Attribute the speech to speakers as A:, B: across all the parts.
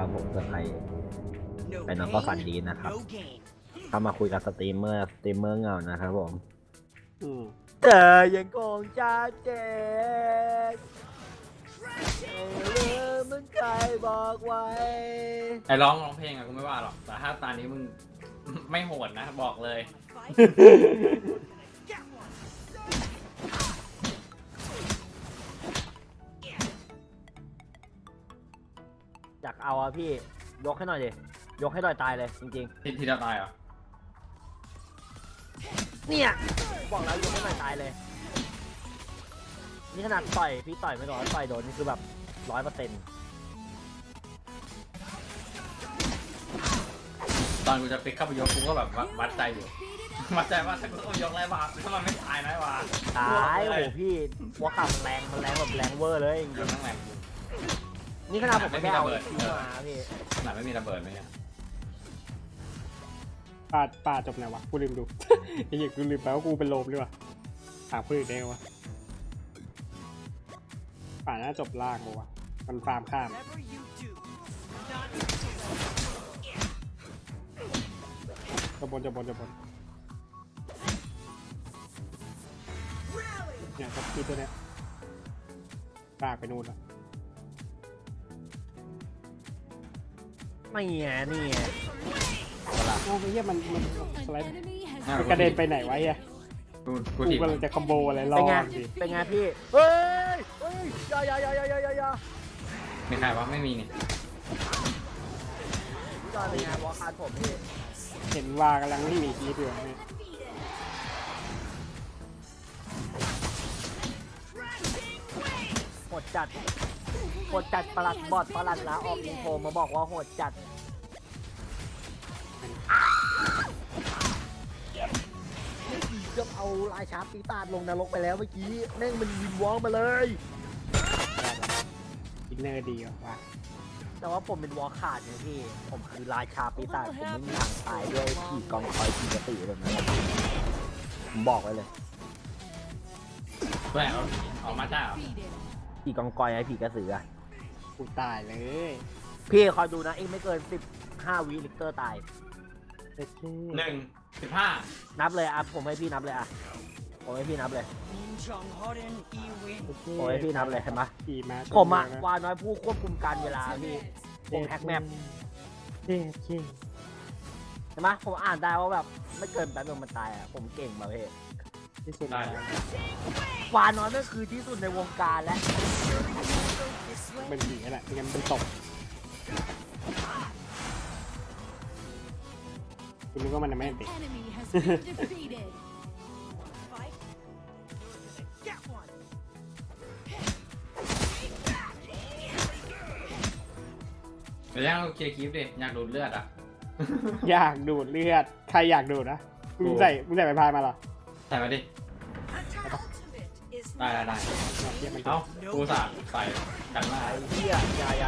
A: นะครับผมกับใครไปน้องก็ฝันดีนะครับเข้ามาคุยกับสตรีมเมอร์เหงานะครับผมเจอยังโกงจ้าเจ๊มึงใครบอกไว้
B: ไอ้ร้องเพลงอะกูไม่ว่าหรอกแต่ถ้าตอนนี้มึงไม่โหดนะบอกเลย
A: อยากเอาอะพี่ยกให้หน่อยดิยกให้หน่อยตายเลยจริง
B: ที่จะตายเหรอ
A: ๆเนี่ยบอกแล้วยกให้หน่อยตายเลยนี่ขนาดต่อยพี่ต่อยไม่โดนต่อยโดนนี่คือแบบ100%
B: ตอนกูจะปิกเข้าไปยกกูก็แบบวัดใจอยู่วัดใจว่าถ้ากูต้องยกไรบ้างถ้ามันไม่ตายนะวะ
A: ตายโอ้พี่หัวขามันแรงแบบแรงเวอร์เลยจริงๆ
B: ทั้งแรง
A: นี่ขนาดผมไม่ได้เอาคิวมาพี่
B: ขนาดไม่มีระเบิดไหมเนี่ย
C: ป่าจบไหนวะกูลืมดูไอ้เหี้ยกูลืมไปว่ากูเป็นโลมด้วยวะถามคนอื่นได้ไงวะป่าน่าจบล่างวะมันฟาร์มข้ามจะบนเนี่ยกับที่ตัวเนี้ยลากไปนู่นแล้ว
A: ไม่ไงนี่ไง
C: โอ้ยเหี้ยมันสไลด์มันกระเด็นไปไหนวะเหี้ยกูกำลังจะคอมโบอะไรรอดิ
A: เป็นไงพี่เฮ้ยอย่า
B: มีใครวะไม่มีนี่
A: ตอนนี้วอลคาร์ดผมพี่
C: เห็นว่ากำลังไม่มีคีย์อยู่นี่
A: โหดจัดประหลัดบอดประหลัดลาออกอินโฟมาบอกว่าโหดจัดเกือบเอาลายชาร์ปปีตาดลงนรกไปแล้วเมื่อกี้แม่งมันวินวอล์กมาเลย
C: อินเนอร์ดีว่ะ
A: แต่ว่าผมเป็นวอลขาดไงพี่ผมคือราชาปีศาจผมไม่มีทางตายด้วยผีกองคอยผีกระตือแบบนั้นผมบอกไว้เลย
B: แหวออกมาจ้า
A: ผีกองกอยไอ้ผีกระสือ
C: กูตายเลย
A: พี่คอยดูนะเองไม่เกิน15 วิลิกเตอร์ตาย
B: 15
A: นับเลยอ่ะผมให้พี่นับเลยอ่ะผมให้พี่นับเลยโอ้ยพี่นับเลยเห็นไหมผมอ่ะวาน้อยผู้ควบคุมการเวลาพี่ผมแฮกแมปเห็นไหมผมอ่านได้ว่าแบบไม่เกินแป๊บนึงมันตายอ่ะผมเก่งมาเพ่
C: ที่สุด
A: วาน้อยก็คือที่สุดในวงการแล้ว
C: เป็นผีแหละไม่งั้นเป็นตกคุณนึกว่ามันไม่ติด
B: เดี๋ยวยังเคลียร์คลิปดิอยากดูดเลือดอ่ะ
C: อยากดูดเลือดใครอยากดูดนะมึงใส่ไปพายมาเหรอ
B: ใส่มาดิได้เอ้ากูสาดใส่กันหน้า
A: เฮียอย่า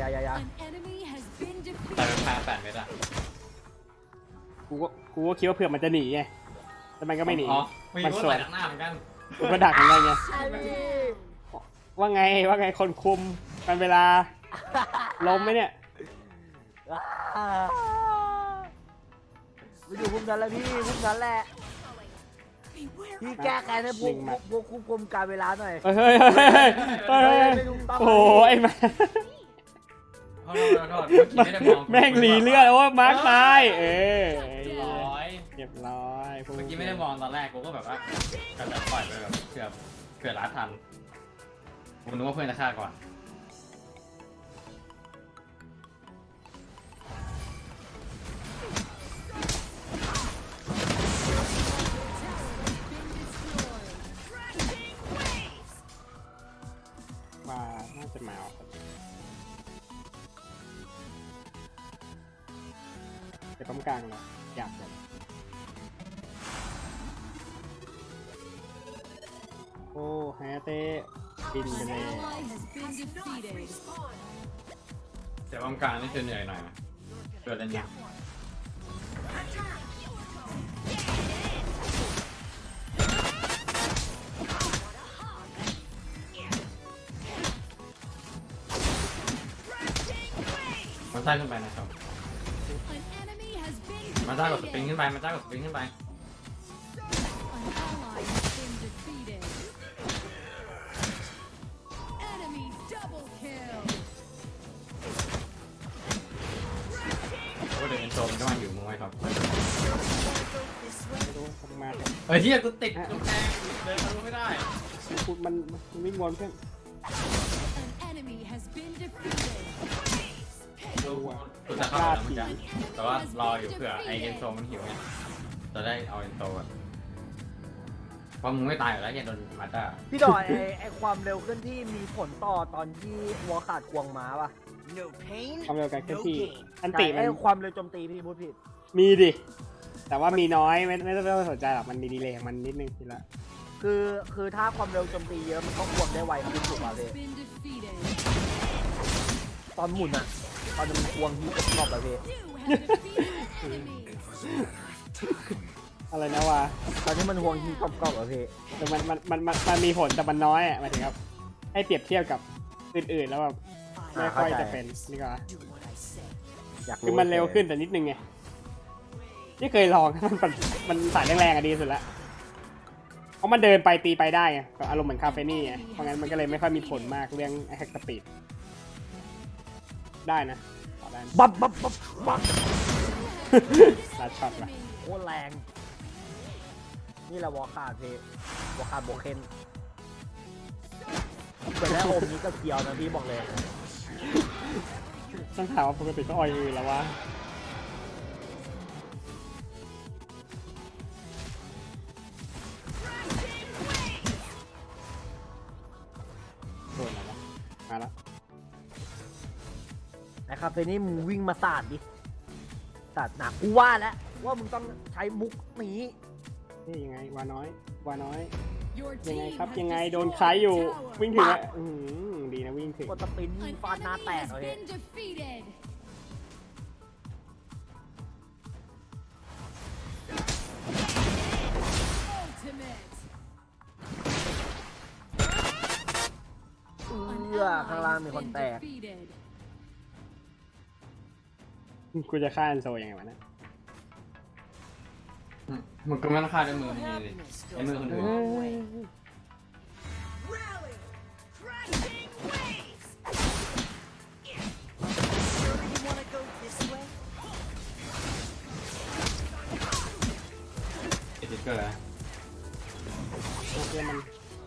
B: ใส่เป็นพาย8 เมตรอ่ะ
C: กูก็คิดว่าเผื่อมันจะหนีไงแต่มันก็ไม่หนี
B: มันสวนหน้าเหมือนกัน
C: กูก็ดักเหมือนกันไงว่าไงคนคุมกันเวลาล้มไหมเนี่ย
A: ไปอยู่พุ่มนั้นแล้วพี่พุ่มนั้นแหละพี่แก้แค้นให้พวกควบคุมการเวลาหน่อย
C: เฮ้ยโอ้ไอ้แม่แม่งหลีเลือดว่ามาร์คตายเรียบร้อย
B: เมื่อกี้ไม่ได้มองตอนแรกกูก็แบบว่าการจัดปล่อยไปแบบเผื่อล้าทันผมนึกว่าเพื่อนจะฆ่าก่อน
C: ว่าน่าจะมาออกจะปั๊มกลางเหรออยากเลยโอ้ไฮเต้บินไปเลย
B: เดี๋ยวกลางนี่จะเหนื่อยหน่อยนะเกิดอะไรเนี่ยต้ขึ้นไปนะครับมาต้ากดสปริงขึ้นไปมาต้ากดสปริงขึ้นไปโอ้เดี๋ยวเอ็นโซมันก็มาอยู่มึงไว้ครับ
C: ไม่รู้ทำมาเนี่ย
B: เฮ้ยที่กูติดกำแพงเดินทะลุไม่ได้
C: มันวิ่งวนเพื่อน
B: กูจะเข้าไปแล้วมันจะแต่ว่ารออยู่เผื่อไอเอ็นโซมันหิวไงจะได้เอาเอ็นโซอะเพราะมึงไม่ตายอยู่แล้วแกโดนมาต้า
A: พี่ดอยไอความเร็วขึ้นที่มีผลต่อตอนที่วัวขาดควงม้าป่ะ
C: ความเร็วการเคลื่อนที่อัน
A: ใช่
C: ติมั
A: ไอน ความเร็วโจมตีพี่พูดผิด
C: มีดิแต่ว่ามีน้อยไม่ต้องสนใจหรอกมันมีดีเลย์ของมันนิดนึงทีละ
A: คือถ้าความเร็วโจมตีเยอะมันก็ควงได้ไวขึ้นถูกป่ะพี่ตอนหมุนอะตอนมันควงที่รอบแบบพี่
C: อะไรนะวะ
A: ตอนที่มันควงที่กรอบแบบพี่
C: แต่มันมีผลแต่มันน้อยอ่ะหมายถึงครับให้เปรียบเทียบกับอื่นๆแล้วแบบไม่ค่อยจะเป็นนี่ก็
A: อยาก
C: คือมันเร็วขึ้นแต่นิดนึงไงที่เคยลอง มันสายแรงๆอะดีสุดละเพราะมันเดินไปตีไปได้ไงก็อารมณ์เหมือนคาเฟนี่ไงเพราะงั้นมันก็เลยไม่ค่อยมีผลมากเรื่องแฮกสปีดได้นะต่อได้
A: บับ
C: ลัดช็อตละ
A: โคตรแรงนี่แหละวอลคาร์พี่วอลคาร์โบเคนเปิดแล้วอมนี้ก็เคียวนะพี่บอกเลย
C: ต้องถามว่าปกติก็ออยอื่นแล้ววะโดนอะไรวะมาละ
A: ไอ้คาเฟนี่มึงวิ่งมาสาดดิสาดหนักกูว่าแล้วว่ามึงต้องใช้มุกนี้
C: นี่ยังไงวาน้อยยังไงครับยังไงโดนคล้ายอยู่วิ่งถึงแล้วดีนะวิ่งถึง
A: กดสปินฟาดหน้าแตกเลย ข้างล่างมีคนแตก
C: กูจะฆ่าอันโซยังไงวะนะ
B: มึงก็ไม่ต้องฆ่าด้วยมือมึงเลยไอ้มือคนอื่นติ๊กเกอร์อะ
C: โอเคมัน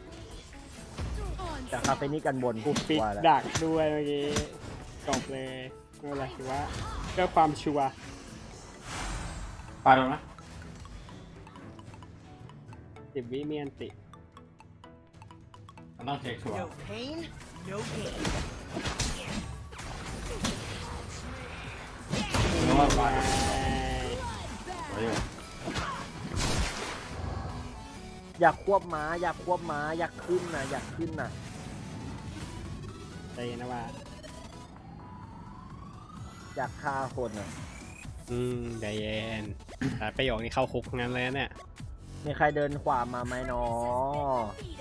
A: จากคาเฟนี่กันบน
C: กูปิด
A: ว่าแล้ว
C: ดักด้วยเมื่อกี้จบเลยไม่เป็นไรถือว่าเพื่อความชัวร์
B: ไปลงนะ
C: 10 วิมีอันติ
B: มันต้องเช็คชัวร์ นึกว่าไปไว้อยู่
A: อยากควบม้าอยากขึ้นนะอยากขึ้นนะ
C: ใจเย็นนะว่า
A: อยากฆ่าคนอ่ะ
C: ใจเย็นแต่ประโยคนี้เข้าคุกงั้นเลยนะเนี่ย
A: มีใครเดินขวามาไหมเนาะ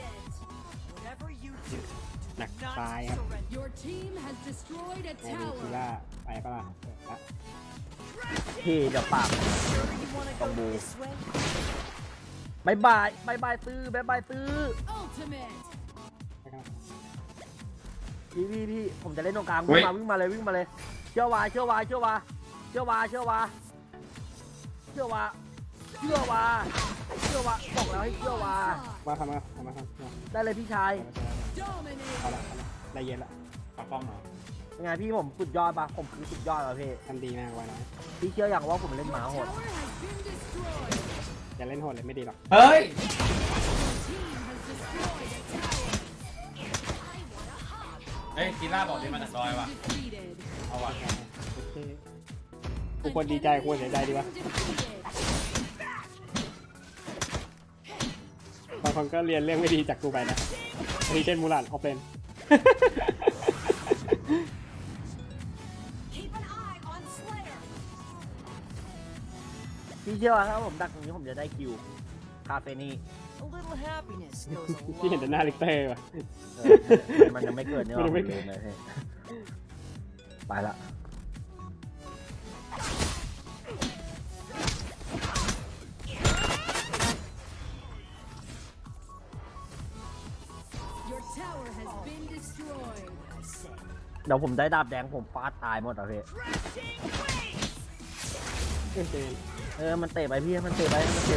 C: หนักซ้ายครับโอ้มีคิล่าไปปะล่ะละ
A: พี่เดี๋ยวปากต้องบูบายซื้อบายซื้อ
C: ไปกัน
A: พี่ผมจะเล่นตรงกลางวิ่งมาเลยเชื่อวาบอกแล้วให้เชื่อวา
C: มาทำมา
A: ได้เลยพี่ชาย
C: เอาละได้เย็นละ
B: ปักป้อมเหรอ
A: เป็นไงพี่ผมสุดยอดปะผมคือสุดยอดแล้วพี่
C: ทำดีมากไว้นะ
A: พี่เชื่ออย่างว่าผมเล่นหมาโหด
C: อย่าเล่นโหดเลยไม่ดีหรอก
B: เฮ้ย เฮ้ยกีล่าบอกที่มาจากดอยว่ะ เอาว่ะ
C: โอเคกูควรดีใจกูควรเสียใจดีวะบางคนก็เรียนเรื่องไม่ดีจากกูไปนะอันนี้เช่นมูลันออฟเลน
A: พี่เชื่อว่าถ้าผมดักตรงนี้ผมจะได้คิวคาเฟนี่
C: ที่เห็นแต่หน้าลิกเตอร์ว่ะ
A: มันยังไม่เกิดเนี่ย
C: มันยังไม่
A: เกิดเลยไปละเดี๋ยวผมได้ดาบแดงผมฟาดตายหมดอ่ะพี่
C: เจน
A: มันเตะไปพี่มันเตะไป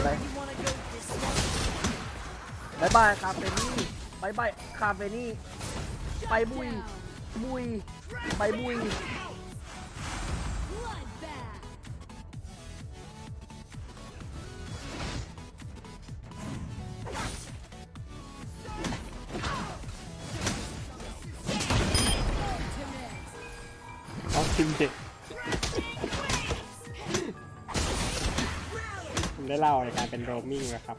A: บายบายคาเฟนี่บายบายคาเฟนี่ไปบุยไปบุย
C: เอาทิมเด็กผมได้เล่าในการเป็นโรมมิ่งนะครับ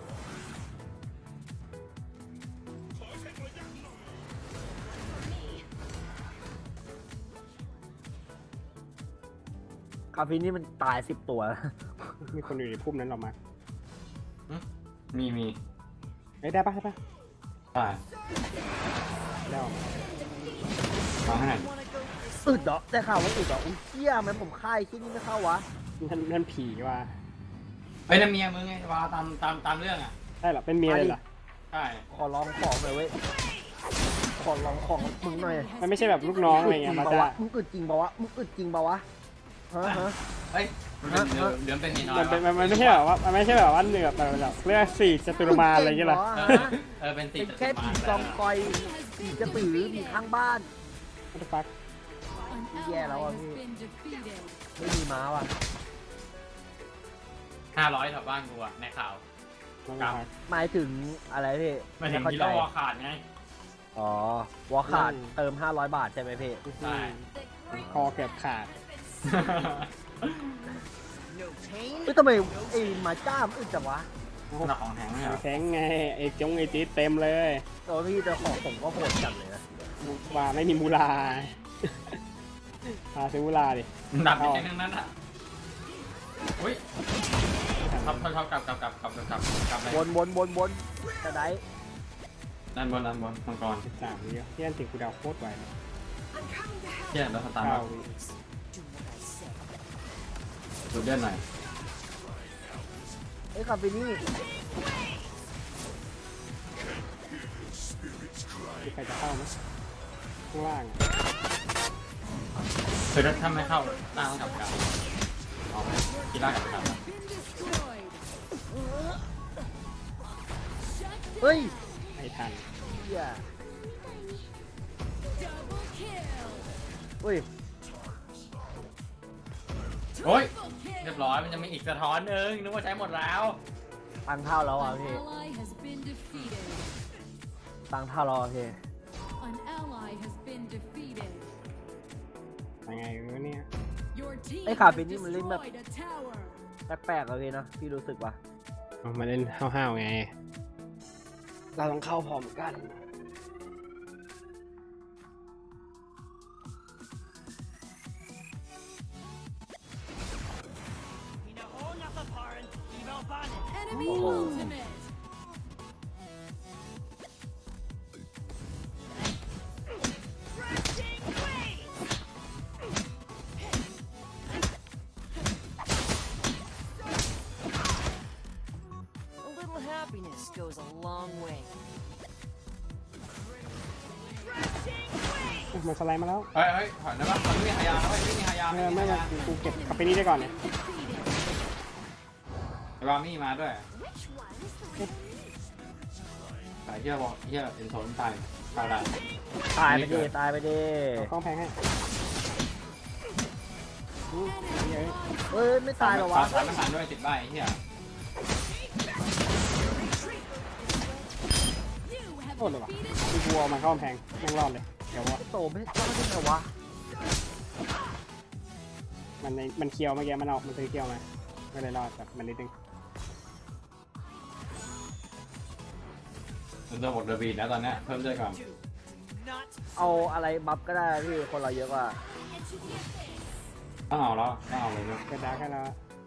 A: คาเฟนี่มันตาย10 ตัว
C: มีคนอยู่ในพุ่มนั้นหรอมา
B: มี
C: เอ้ยได้ปะ
B: ได้
C: ได้ออกมา
B: ฟังให้หน่อย
A: อึดเหรอได้ข่าวว่าอึดเหรออุ้ยเหี้ยมันผมค่ายที่นี่ไม่เข้าวะ
C: นั่นผีว่ะ
B: เฮ้ยนั่นเมียมึงไงว่าตามเรื่องอ่ะ
C: ได้เหรอเป็นเมียเลยเหรอ
B: ใช่
A: ขอลองของหน่อยเว้ยขอลองของมึงหน่อย
C: มันไม่ใช่แบบลูกน้องอะไรเงี้ยมาจ้า
A: มึงอึดจริงปะวะมึงอึดจริงปะวะฮะ
B: เฮ้ยมันเป็นเดือนเป็นนิดหน่อย
C: มันไม่ใช่แบบว่ามันไม่ใช่แบบว่าเหนือแบบเรียกสี่จตุรมารอะไรเงี้ยเหรอ
B: เป็นติ
A: เป็นแค่ผีกองกอยผีกระสือผีข้างบ้าน
C: what the fuck
A: แย่แล้วอ่ะพี่ไม่มีม้าว่ะ
B: 500แถวบ้านกูอ่ะในข่าว
A: หมายถึงอะไรพี่
B: ไม่ถึงที่เราวอขาดไง
A: อ๋อวอขาดเติม500 บาทใช่ไหมพี่
B: ใช่
C: คอเกือบขาด
A: เฮ้ยทำไมไอ้หมาจ้ามนอึดจังวะ
B: หนักของแข็งเนี่ย
C: แข็งไงไอ้จงไอ้จี๊ดเต็มเลย
A: ตัวพี่แต่ของผมก็โหดจังเลยนะ
C: ว่าไม่มีมูลาพาซื้อมูลาดิ
B: ดับไปทั้งนั้นอ่ะอุ้ยทับกลับเลย
A: วนจะได้
B: ด้านบนมังกร
C: 3วิที่นั่นถึงกูดาวโคตรไวเลย
B: เที่ยแล้วสตาร์
C: 9 วิ
B: ดูเดือนหน่อย
A: ไอ้คาเฟนี่
C: มีใครจะเข้าไหมข้างล่าง
B: คือถ้าไม่เข้าตั้งกับกลางออกกีฬากับกลาง
A: เฮ้ย
C: ไม่ทัน
A: เหี้ยเฮ้ย
B: โอ้ยเรียบร้อยมันจะมีอีกสะท้อนนึงนึกว่าใช้หมดแล้ว
A: ตังเท่าแล้วอ่ะพี่ตังเท่าแล้วอ่ะพี่
C: ยังไงวะเนี่ย
A: ไอ้คาเฟนี่มันเล่นแบบแปลกๆอะพี่นะพี่รู้สึกว่า
C: เอามาเล่นห้าวๆไง เราต้องเข้าพร้อมกัน
A: โอ้โห
D: Happiness goes a long way.
C: มันสไลด์มาแล้ว
B: เฮ้ยถอยได้ปะมันไม่มีหายาแล้วไม่มีหายา
C: ไม่กูเก็บคาเฟนี่ได้ก่อนเนี่ย
B: รามี่มาด้วยสายเที่ยวบอกเที่ยวเอ็นโซนตายได้
A: ตายไปดิตายไปดิ
C: เอากล้องแพงให้เฮ้ย
A: เฮ้ยไม่ตายหรอวะ
B: ตายไม่ทันด้วยติดใบเที่ย
C: โคตรเลยว่ะมีกูเอามาเข้ากำแพงแม่งรอดเลยเดี๋ยววะ
A: โตไม่รอดได้ไงวะ
C: มันเคี้ยวเมื่อกี้มันออกมันซื้อเคี้ยวมาไม่เลยรอดแบบมันนิดนึง
B: มันจะหมดเดอร์บีนะตอนนี้เพิ่มเลือดก่อน
A: เอาอะไรบัฟก็ได้พี่คนเราเยอะกว่า
B: ต้องเอาแล้วต้องเอาเลยด้วย
C: เกิดดาร์กให้แล้ว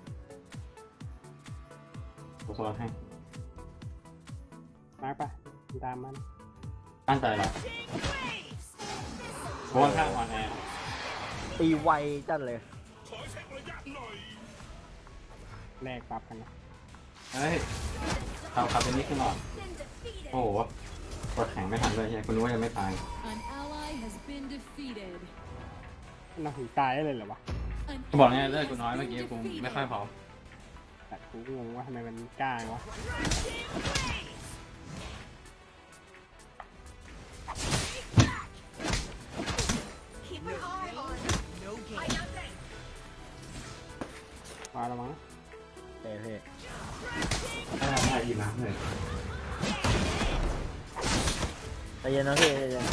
B: กูโซนให้
C: มาร์กปะตามมัน
B: ตั้งใจแล้วเพราะว่าข้างออนแอร์
A: ตีไวจัดเลย
C: แลกปรับกันนะ
B: เฮ้ยเอาคาเป็นนี่ขึ้นหน่อยโอ้โหกดแข็งไม่ทันเลยใช่คุณรู้ว่ายังไม่ตาย
E: An ally
C: น่าถึงตายได้เลยเหรอวะ
B: กูบอกเนี่ยเลือดกูน้อยเมื่อกี้กูไม่ค่อยพร้อม
C: แต่กูงงว่าทำไมมันกล้าวะ มาแล้วมั้ง
A: เท่เท่
B: ได้ยินนะเลย
A: ใจเย็นนะพี่ใจเย็น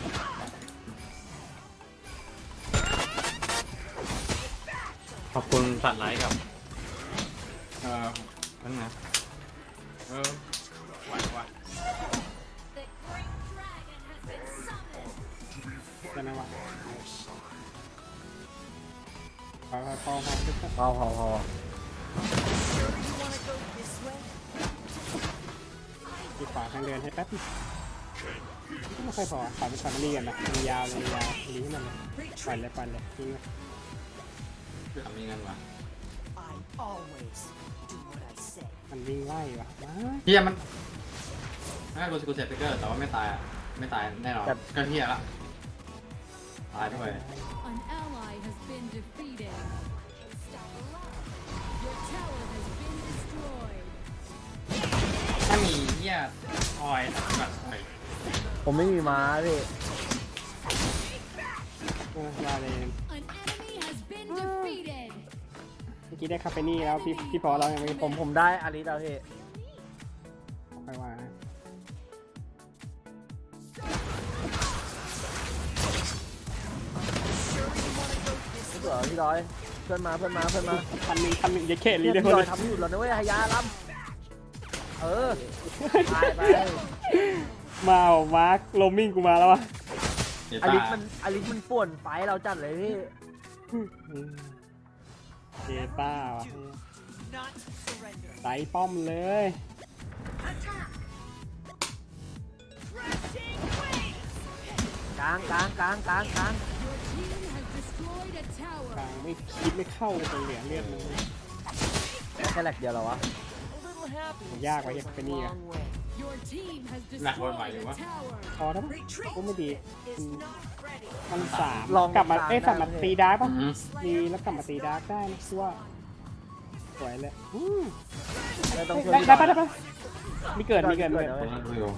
B: ขอบคุณสัตว์ไลค์กับนั่นนะไหวว่ะ
C: ได้ไหมวะพอพอพอ
A: พอ
C: ปิดฝาทางเดินให้แป๊บนึงไม่ค่อยพอฝาเป็นฝามันรีกันนะมันยาวเลยยาวรีให้มันเลยปั่นเลยทิ้งเลย
B: ทำยังไงวะ
C: มันวิ่งไล่วะมา
B: เฮียมันไม่กูเสร็จสติ๊กเกอร์แต่ว่าไม่ตายอ่ะไม่ตายแน่นอนก็เฮียละตายด้วย
D: An ally has been defeated. Your tower has been destroyed.
B: ถ้ามีเฮียออยตัดไป
A: ผมไม่มีม้าพี่
C: ว่าเลย
D: An enemy has been defeated.
C: เมื่อกี้ได้คาเฟนี่แล้วพี่พอเรายังไม่
A: ผมได้อาริสแล้วพี่
C: ค่อยว่านะ
A: ไม่เบื่อพี่ร้อยเพื่อนมา
C: พันหนึ่งอย่าเข็ดลี
A: พี่
C: เดียว
A: ร้
C: เล
A: อย
C: ย
A: ทำอยู่แล้วนะเว้ยฮายาล้ำไป
C: มามาร์คโรมมิ่งกูมาแล้ววะ
B: เดี๋ยว
A: อา
B: ตา
A: ริสมันป่วนไฟเราจัดเลยพี่
C: เจต้าวะใส่ป้อมเลย
A: กลาง
D: Your team has destroyed a
C: กลา
D: tower.
C: งไม่คิดไม่เข้าเลยเหลือเลือดมัน
A: แค่แหลกเดียวเหรอวะ
C: ยากไว้ยังเป็นนี่อะ
D: Your team has destroyed a tower.
C: พอแล้วมั้งกูไม่ดีมันสาม
A: ลอง
C: กลับมา
A: สาม
C: กลับมา
A: ได้
C: ตีดาร์กป่ะ
B: อืม
C: ดีแล้วกลับมาตีดาร์กได้นะคือว่าสวยเลยอืม
A: ไม่ต้องช่วย
C: ได้
A: พี่
C: ได้
A: ร้อย
C: ปะมีเกิด
B: คนละดูอยู่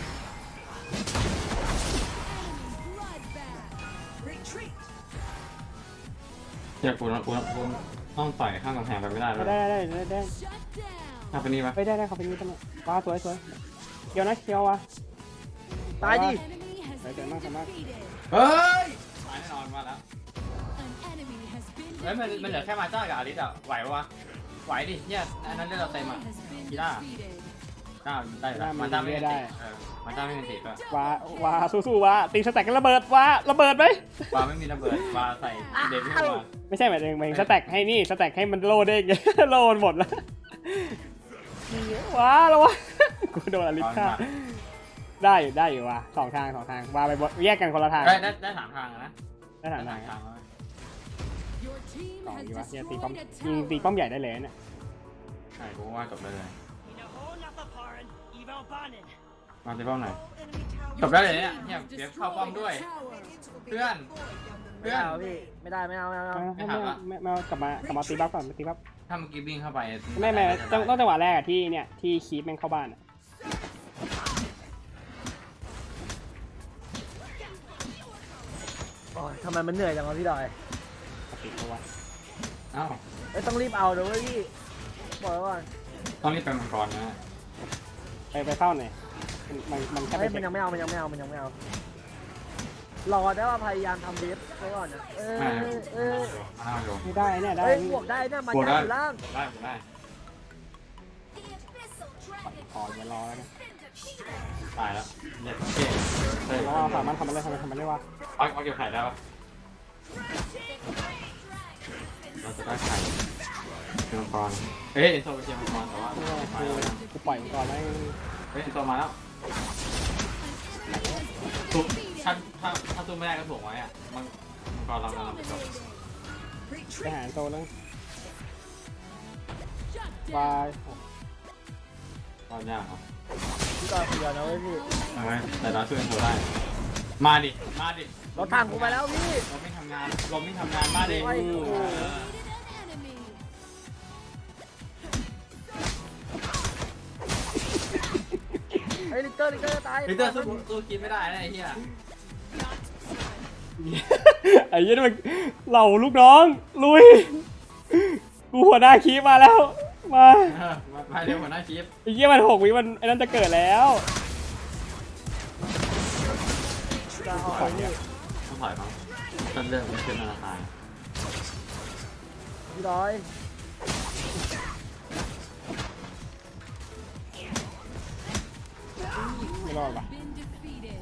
D: Bloodbath.
B: เฮียกูต้องต่อยข้างกำแพงไปไม่ได้เลย
C: ได้
D: Shut down.
B: ถ้าเป็นนี่ปะ
C: ไปได้เขาเป็นนี้ตลอดว้าสวยเกี่ยวนะเกี่ยววะ
A: ตายดิ
D: Enemy has
C: Right there,
D: been
C: mark, mark.
D: defeated.
B: เฮ้ยตายแน่นอนมาแล้ว
D: An enemy has been
B: เฮ้ยมันเหลือแค่มาจ้ากับอาริสอ่ะไหวปะวะไหวดิเนี่ยอันนั้นเลือดเราเต็มอ่ะ
D: has been
B: Kira.
D: defeated.
B: ก้าวได้แล้วมาจ้าไม่เป็นติดมาจ้าไม่เป็นติดป่ะ
C: ว้าสู้ๆว้าตีสแต็กกันระเบิดว้าระเบิดไหม
B: วาไม่มีระเบิดวาใส่เดวิลมา
C: ไม่ใช่หมายถึงสแต็กให้นี่สแต็กให้มันโลดเด้ง โลดหมดแล้วว้าแล้ววะกูโดนอลิสฆ่าได้อยู่ว่ะสองทางว้าไปแยกกันคนละทาง
B: ได้ถามทางนะ
C: ได้ทางไหน
B: ทางแล้ว
D: Your team
C: ต่อ
D: has
C: ดีวะเนี่ยตีป้อม
D: destroyed a
C: ยิงตี
D: tower.
C: ป้อมใหญ่ได้เลยเนี่ย
B: ใช่กูว่าจบเลยมาตีป้อมไหน จบได้เลยเนี่ยเนี่ยเดี๋ยวเข้าป้อมด้วย เพื่อน
A: ไม่เอาพี่ไม่ได้ไม่เอา
C: ไม่กลับมาตีบัฟก่อนตีบัฟ
B: ถ้าเมื่อกี้วิ่งเข้าไป
C: ไม่ต้องจังหวะแรกอะที่เนี่ยที่คีปแม่งเข้าบ้านอะ
A: โอ้ยทำไมมันเหนื่อยจังวะพี่ดอย
C: ติดเอาไว้
B: เอ้า
A: ต้องรีบเอาเดี๋ยวพี่บอกไว้ก่อน
B: ต้องรีบไปมังกรนะ
C: ไปเข้าหน่อยมันแค่ไป
A: เฮ้ยมันยังไม่เอารอได้ว่าพยายามทำเว็บไว้ก่อนนะ
B: อ้าวโย
C: ไม่ได้เนี่ยได้
A: เฮ้ยบวกได้เนี่ยมาจากอยู่ล่าง
B: ได้
C: พออย่ารอแล้วนะ
B: ตายแล้วเน็ตเก่ง
C: แล้วสามารถทำมันได้วะ
B: เอาเก็บไข่ได้ปะเราจะได้ไข่เป็นมังกรเฮ้ยเอ็นโซไปเชียร์มังกรแต่ว่ามาแล้ว
C: กูปล่อยมันก่อนแล้ว
B: เฮ้ยเอ็นโซมาแล้วถูกถ้าสู้ไม่ได้ก็ถ่วงไว้อะมังกรเรากำลังไปจบ
C: ไปหาโตแล้ว
D: Shut
C: วา
D: down.
C: ย
B: ก็ยากครับ
A: พี่ดอยคนเดียวนะเว้ยพี่
B: เอาไว้แต่เราช่วยเอ็นโซได้มาดิ
A: รถถังกูไปแล้วพี่
B: ลมไม่ทำงานลมไม่ทำงานมาดิ
A: โอ้ย
D: Defeated an enemy.
A: เฮ้ยลิกเตอร์ตาย
B: พีเตอร์สู้กินไม่ได้นะไอ้เหี้ย
C: ไอ้เหี้ยนี่มันเหล่าลูกน้องลุยกูหัวหน้าคีมาแล้วมา
B: มาเร็วหัวหน้าชีฟ
C: ไอ้เหี้ยมัน6 วิมันไอ้นั่นจะเกิดแล้ว
A: จะเอาไอ้นี่
B: ต้องถอยมั้งต้นเรื่องมันขึ้นธนาคาร
A: พี่ร้อย
C: ไม่รอดว่ะ
D: Been defeated.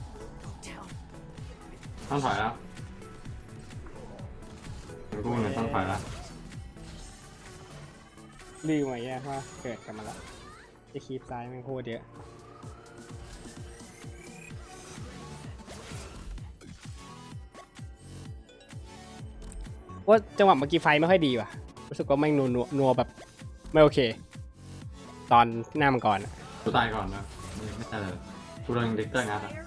B: ต้องถอยแล้วกูเหมือนต้องถอยแล้ว
C: ลืมไว้แย่ว่าเกิดกันมาแล้วจะคีบซ้ายมันโคตรเยอะว่าจังหวะเมื่อกี้ไฟไม่ค่อยดีว่ะรู้สึกว่าแม่งนัวแบบไม่โอเค ตอนหน้ามังกรอะ
B: กูตายก่อนนะไม่ตายเลยกูโดนดิกเตอร์งัดอ่ะ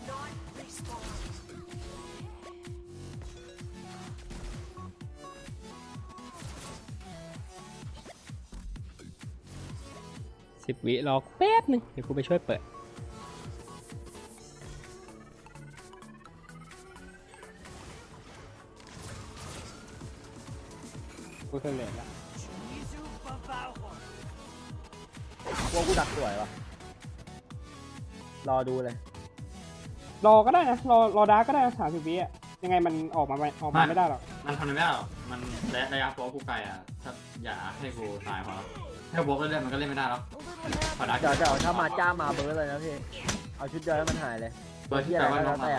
C: 10 วิรอแป๊บนึงเดี๋ยวกูไปช่วยเปิดกูเคยเลนแล้ว
A: พวกกูดักสวยว่ะรอดูเลย
C: รอก็ได้นะรอดาร์กก็ได้นะ30 วิอ่ะยังไงมันออกมาไม่ได้หรอก
B: มันทำอะไรไม่ได้หรอกมันระยะโป๊กูไกลอ่ะถ้าอย่าให้กูตายพอแล้วถ้าโป๊กเล่นมันก็เล่นไม่ได้แล้วพอดัก
A: เดี๋ยวถ้ามาจ้ามาเบิร์ดเลยนะพี่เอาชุดเดียวให้มันหายเลย
B: เบอร์ที่แปลว่าน้องมา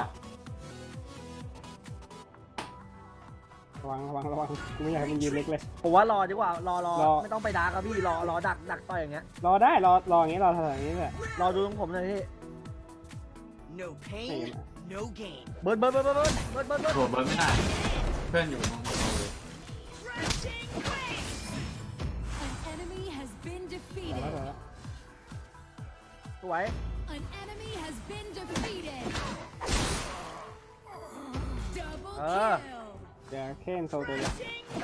C: ระวังกูไม่อยากให้มันยืนเล็กเลย
A: ผมว่ารอดีกว่ารอ
C: รอ
A: ไม่ต้องไปดักครับพี่รอดักต่อยอย่างเงี้ย
C: รอได้รออย่างนี้รออย่างนี้แหละ
A: รอดูของผมเลยพี่
E: No pain, no gain.
A: เบิร์ด
B: โหเบิร์ดไม่ได้เพื่อนอยู่ตรงนี้เลย
D: An enemy has been
C: รอ
D: defeated.
C: แล้ว
A: สวย
D: An enemy has been defeated. Double
A: Ah.
D: kill.
C: เดี๋ยวเคนโซตัวเดียว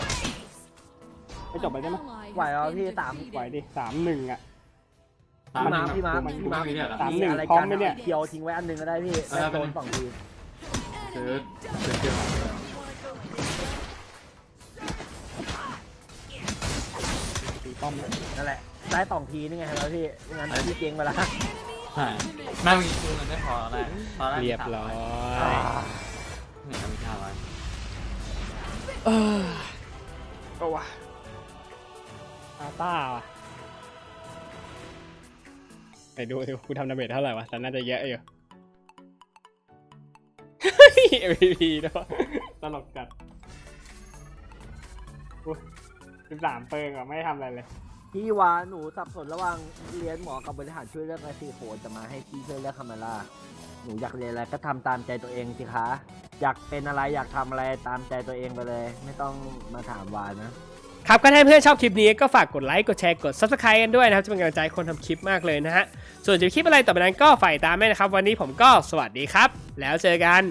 C: ไม่จบไปได้ไหม
D: Ally
A: ไหว
D: has
A: เอา
D: been
A: พี่
D: defeated.
C: ไหวดิ3-1อ่ะ
A: พี่มา
B: กูไม่มีเนี่ยเหรอ
C: สาม
A: มี
C: หนึ่ง
A: อะไร
C: พร้อ
A: กั
C: ม
A: น
C: ไหมเนี่ย
A: เคียวทิ้งไว้อันหนึงก็ได้พี่
B: เออ
A: ได้โดน
B: เป็น
A: 2 ที
B: ซื้อเกี่ยว
C: ตีป้อมนะ
A: นั่นแหละได้2 ทีนี่ไงครับพี่ไม่งั้นพี่เก่งไปละ
B: ใช่แม่งมีกูเงินไม่พอแล้วตอนแรก
C: เรียบร้อย
B: เนี่ยมี500
C: ก็ว่ะอาต้าว่ะไปดูกูทำดาเมจเท่าไหร่วะแต่น่าจะเยอะอยู่ MVP ด้วยตลกจัด13 เปิงอ่ะไม่ทำอะไรเลย
A: พี่วาหนูสับสนระหว่างเรียนหมอกับบริหารช่วยเลือกไอซีโคจะมาให้พี่ช่วยเลือกคาเมล่าหนูอยากเรียนอะไรก็ทำตามใจตัวเองสิคะอยากเป็นอะไรอยากทำอะไรตามใจตัวเองไปเลย ไม่ต้องมาถามวานะครับ
C: ก็ถ้าเพื่อนชอบคลิปนี้ก็ฝากกดไลค์กดแชร์กด Subscribe กันด้วยนะครับจะเป็นกำลังใจให้คนทำคลิปมากเลยนะฮะส่วนจะมีคลิปอะไรต่อไปนั้นก็ฝ่ายตามแม่นะครับวันนี้ผมก็สวัสดีครับแล้วเจอกัน